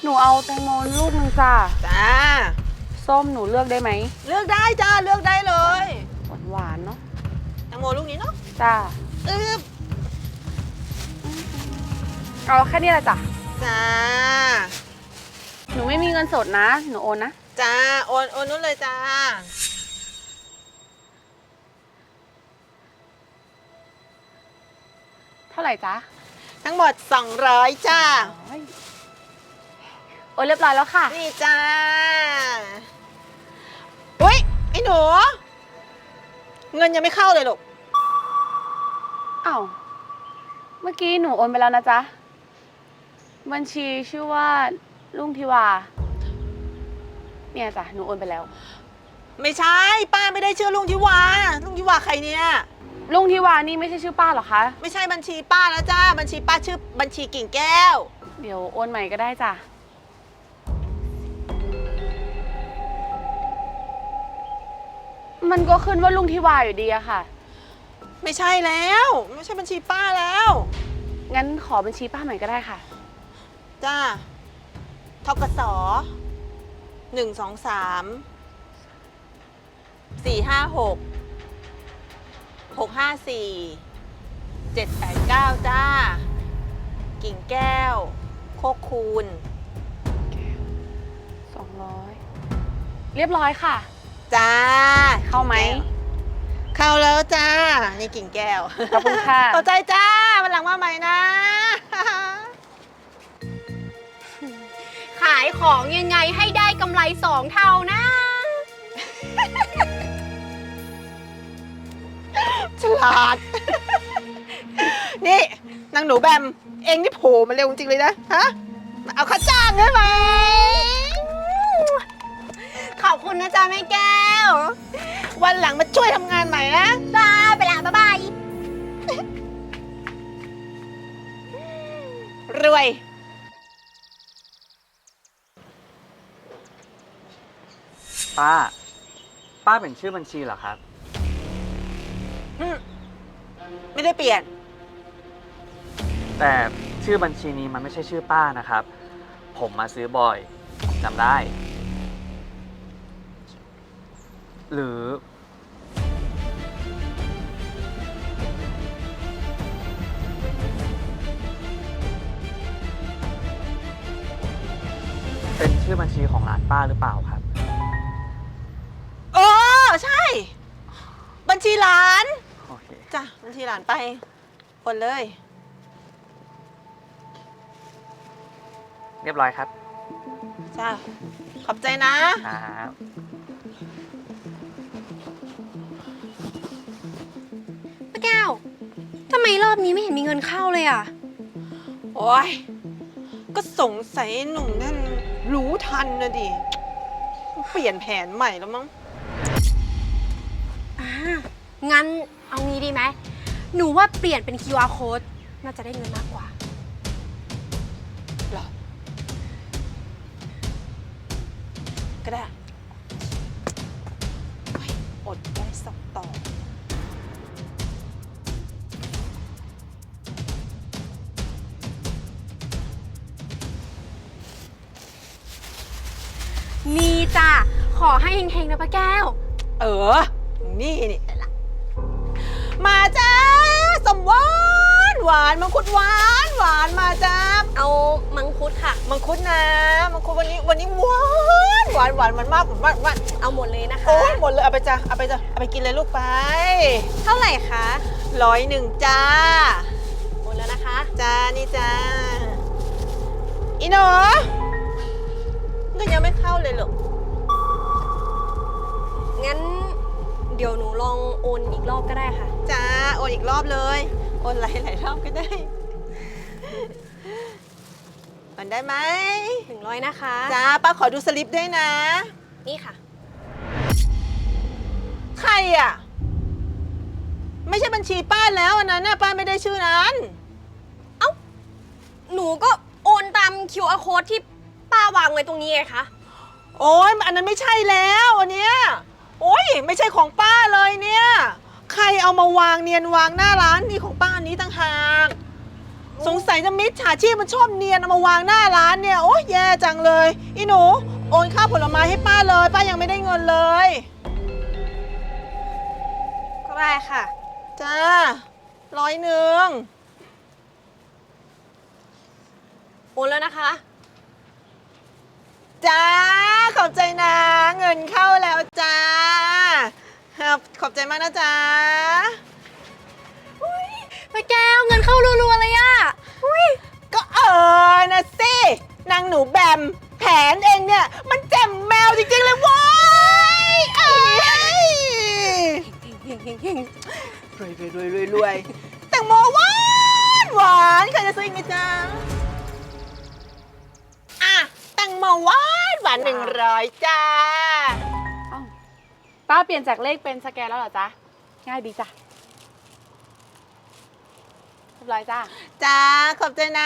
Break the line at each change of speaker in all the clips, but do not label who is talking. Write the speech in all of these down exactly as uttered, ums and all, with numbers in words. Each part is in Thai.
หนูเอาแตงโมลูกหนึ่งจ้า
จ้า
ส้มหนูเลือกได้ไหม
เลือกได้จ้าเลือกได้เลย
หวานหวานเนาะ
แตงโมลูกนี้เนาะ
จ้า
อึ๊บ
เอาแค่นี้แหละจ้ะ
จ้า
หนูไม่มีเงินสดนะหนูโอนนะ
จ้าโอนโอนนู้นเลยจ้า
เท่าไหร่จ๊ะ
ทั้งหมดสองร้อยจ้า
โอนเรียบร้อยแล้วค่ะ
นี่จ้าอุ้ยไอ้หนูเงินยังไม่เข้าเลยลูก
อ้าวเมื่อกี้หนูโอนไปแล้วนะจ๊ะบัญชีชื่อว่าลุงทิวาเนี่ยจ้ะหนูโอนไปแล้ว
ไม่ใช่ป้าไม่ได้ชื่อลุงทิวาลุงทิวาใครเนี่ย
ลุงทิวานี่ไม่ใช่ชื่อป้าหรอคะ
ไม่ใช่บัญชีป้าแล้วจ้าบัญชีป้าชื่อบัญชีกิ่งแก้ว
เดี๋ยวโอนใหม่ก็ได้จ้ะมันก็ขึ้นว่าลุงทิวาอยู่ดีอะค่ะ
ไม่ใช่แล้วไม่ใช่บัญชีป้าแล้ว
งั้นขอบัญชีป้าใหม่ก็ได้ค่ะ
จ้าทกสหนึ่งสองสามสี่ห้าหกหกห้าสี่เจ็ดแปดเก้าจ้ากิ่งแก้วโคกคูณ
สองร้อยเรียบร้อยค่ะ
จ้า
เข้าไหม
เข้าแล้วจ้านี่กิ่งแก้ว
ขอบคุณค่ะ
ต่อใจจ้าวันหลังมาใหม่นะ
ขายของยังไงให้ได้กำไรสองเท่านะ
ฉลาดนี่นางหนูแบมเองนี่โผล่มาเร็วจริงเลยนะฮะเอาค่าจ้างได้ไหม
ขอบคุณนะจ๊ะแม่แก้ว
วันหลังมาช่วยทำงานใหม่นะ
จ้าไปละบ๊ายบาย
รวย
ป้าป้าเป็นชื่อบัญชีเหรอครับ
ไม่ได้เปลี่ยน
แต่ชื่อบัญชีนี้มันไม่ใช่ชื่อป้านะครับผมมาซื้อบ่อยผมจำได้หรือเป็นชื่อบัญชีของร้านป้าหรือเปล่าครับ
โอ้ใช่บัญชีหลาน
โอเค
จ้ะบัญชีหลานไปคนเลย
เรียบร้อยครับ
จ้าขอบใจนะครับ
ป้าแก้วทำไมรอบนี้ไม่เห็นมีเงินเข้าเลยอ่ะ
โอ้ยก็สงสัยหนุ่มนั่นรู้ทันนะดิเปลี่ยนแผนใหม่แล้วมั้ง
อ่างั้นเอางี้ดีไหมหนูว่าเปลี่ยนเป็น คิว อาร์ code น่าจะได้เงินมากกว่า
หรอก็ได้อดได้สักต่อ
มีจ้ะขอให้เฮงๆนะป้าแก้ว
เออนี่นี่มาจ้าสมหวานหวานมังคุดหวานหวานมาจ้า
เอามังคุดค่ะ
มังคุดนะมังคุดวันนี้วันนี้หวานหวานหวานมันมากผมว่าว่า
เอาหมดเลยนะคะ
โอ้หมดเลยเอาไปจ้าเอาไปจ้าเอาไปกินเลยลูกไป
เท่าไหร่คะ
ร้อยหนึ่งจ้า
หมดแล้วนะคะ
จ้านี่จ้าอีหนูก็ยังไม่เข้าเลยหรอก
งั้นเดี๋ยวหนูลองโอนอีกรอบก็ได้ค่ะ
จ้าโอนอีกรอบเลยโอนหลายหลายรอบก็ได้โอนได้ไหม
หนึ่งร้อยนะคะ
จ้าป้าขอดูสลิปด้วยนะ
นี่ค่ะ
ใครอ่ะไม่ใช่บัญชีป้าแล้วอันนั้นน่ะป้าไม่ได้ชื่อนั้น
เอ้าหนูก็โอนตาม คิว อาร์ code ที่ป้าวางไว้ตรงนี้ไงคะ
โอ้ยอันนั้นไม่ใช่แล้วอันเนี้ยโอ้ยไม่ใช่ของป้าเลยเนี่ยใครเอามาวางเนียนวางหน้าร้านนี่ของป้าอันนี้ต่างหากสงสัยจะมิจฉาชีพมันชอบเนียนเอามาวางหน้าร้านเนี่ย โอ๊ยแย่จังเลย อีหนู โอนค่าผลไม้ให้ป้าเลย ป้ายังไม่ได้เงินเลย
ก็ได้ค่ะ
จ้าร้อยหนึ่ง
โอนแล้วนะคะ
จ้า ขอบใจนะ เงินเข้าแล้วจ้าครับขอบใจมากนะจ๊ะ
ป้าแก้วเงินเข้ารัวๆเลยอะอุ้ย
ก็เออนะสินางหนูแบมแผนเองเนี่ย มันแจ่มแมวจริงๆเลยเว้ยเอ้ย
เฮงเฮงเฮง
รวยรวยรวยรวยรวยแตงโมหวานหวานใครจะซื้ออีกไหมจ๊ะอ่ะแตงโมหวานหวานหนึ่งร้อยจ้า
เอ้าป้าเปลี่ยนจากเลขเป็นสแกนแล้วเหรอจ๊ะ ง่ายดีจ้ะเรียบร้อยจ้า
จ้า ขอบใจนะ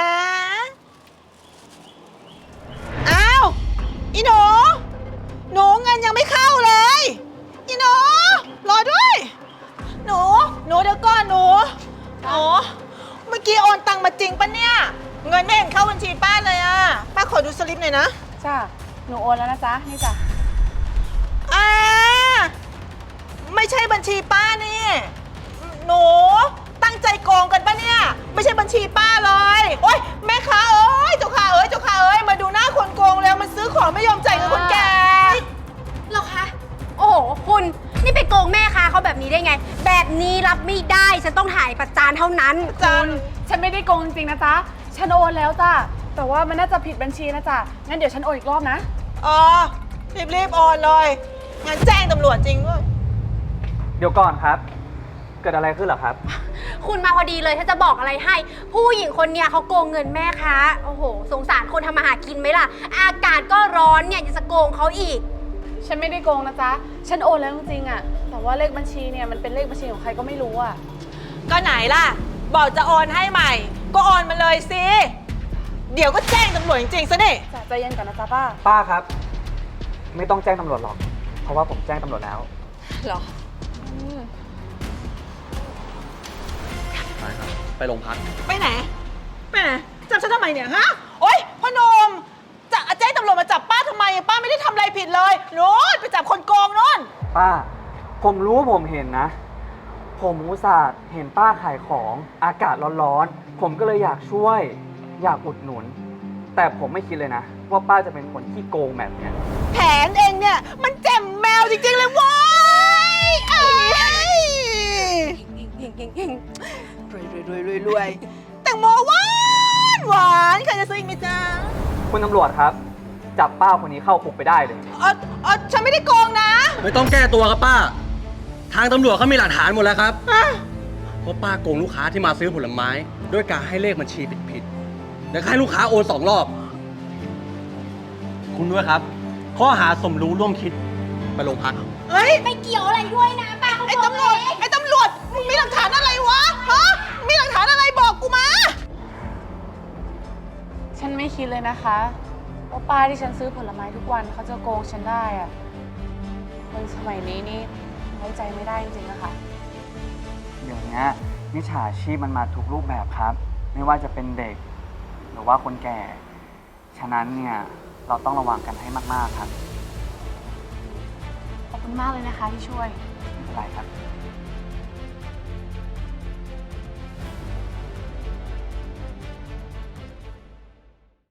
อ้าว อีหนู หนูเงินยังไม่เข้าเลย อีหนู รอด้วย หนู หนูเดี๋ยวก่อนหนูหนูเมื่อกี้โอนตังมาจริงปะเนี่ย เงินไม่เห็นเข้าบัญชีป้าเลยอะป้าขอดูสลิปหน่อยนะ
จ้า หนูโอนแล้วนะจ๊ะ นี่จ้ะ
อ่า ไม่ใช่บัญชีป้านี่ หนูตั้งใจโกงกันปะเนี่ย ไม่ใช่บัญชีป้าเลย โอ๊ยแม่ค้าเอ้ยเจ้าค้าเอ้ยเจ้าค้าเอ้ยมาดูหน้าคนโกงแล้วมันซื้อของไม่ยอมจ่ายเงินคนแก่
เหรอคะ โอ้โห คุณ นี่ไปโกงแม่ค้าเขาแบบนี้ได้ไง แบบนี้รับไม่ได้ ฉันต้องถ่ายประจานเท่านั้น
จาน
ฉันไม่ได้โกงจริงๆนะจ๊ะ ฉันโอนแล้วจ้ะ แต่ว่ามันน่าจะผิดบัญชีนะจ๊ะ งั้นเดี๋ยวฉันโอนอีกรอบนะ
อ๋อ รีบๆโอนเลยงั้นแจ้งตำรวจจริงด้วย
เดี๋ยวก่อนครับ เกิดอะไรขึ้นเหรอครับ
คุณมาพอดีเลยถ้าจะบอกอะไรให้ ผู้หญิงคนเนี้ยเขาโกงเงินแม่ค้า โอ้โห สงสารคนทำมาหากินไหมล่ะ อากาศก็ร้อนเนี่ยยังจะโกงเขาอีก
ฉันไม่ได้โกงนะจ๊ะ ฉันโอนแล้วจริงๆอะแต่ว่าเลขบัญชีเนี่ยมันเป็นเลขบัญชีของใครก็ไม่รู้อะ
ก็ไหนล่ะ บอกจะโอนให้ใหม่ ก็โอนมาเลยสิ เดี๋ยวก็แจ้งตำรวจจริงๆซะนี่
จ้ะใจเย็นก่อนนะจ๊ะป้า
ป้าครับ ไม่ต้องแจ้งตำรวจหรอก เพราะว่าผมแจ้งตำรวจแล้ว
เหรอ
ไปครับ ไปโรงพัก
ไปไหน ไปไหน จับฉันทำไมเนี่ยฮะ โอ๊ยพ่อหนมจะแจ้งตำรวจมาจับป้าทำไม ป้าไม่ได้ทำอะไรผิดเลยโน้นไปจับคนโกงโน้น
ป้า ผมรู้ว่าผมเห็นนะ ผมอุตส่าห์เห็นป้าขายของอากาศร้อนๆ ผมก็เลยอยากช่วย อยากอุดหนุน แต่ผมไม่คิดเลยนะ ว่าป้าจะเป็นคนที่โกงแบบเนี้ย
แผนเองเนี่ย มันแจ่มแมวจริงๆเลยเว้ยเอ้ยรวยรวยรวยรวยรวยแตงโมหวานหวานใครจะซื้ออีกไหมจ๊ะ
คุณตำรวจครับ จับป้าคนนี้เข้าคุกไปได้เลย
เออเออฉันไม่ได้โกงนะ
ไม่ต้องแก้ตัวครับป้า ทางตำรวจเขามีหลักฐานหมดแล้วครับ
อ่ะ
ว่าป้าโกงลูกค้าที่มาซื้อผลไม้ ด้วยการให้เลขบัญชีผิดๆแล้วให้ลูกค้าโอนสองรอบ คุณด้วยครับ ข้อหาสมรู้ร่วมคิดไปโรงพัก
เฮ้ย
ไม่เกี่ยวอะไรด้วยนะป้าเขา
ไอ้
โกง
ตำรวจ
เอง
ไอ้ตำรวจ มึงมีหลักฐานอะไรวะ ฮะ มีหลักฐานอะไรบอกกูมา
ฉันไม่คิดเลยนะคะว่าป้าที่ฉันซื้อผลไม้ทุกวันเขาจะโกงฉันได้อะคนสมัยนี้นี่ไว้ใจไม่ได้จริงๆนะคะ
เดี๋ยวนี้มิจฉาชีพมันมาทุกรูปแบบครับ ไม่ว่าจะเป็นเด็ก หรือว่าคนแก่ ฉะนั้นเนี่ยเราต้องระวังกันให้มากๆครับ
ขอบคุณมากเลยนะคะที่ช่วย
ไม่เป็นไรครับ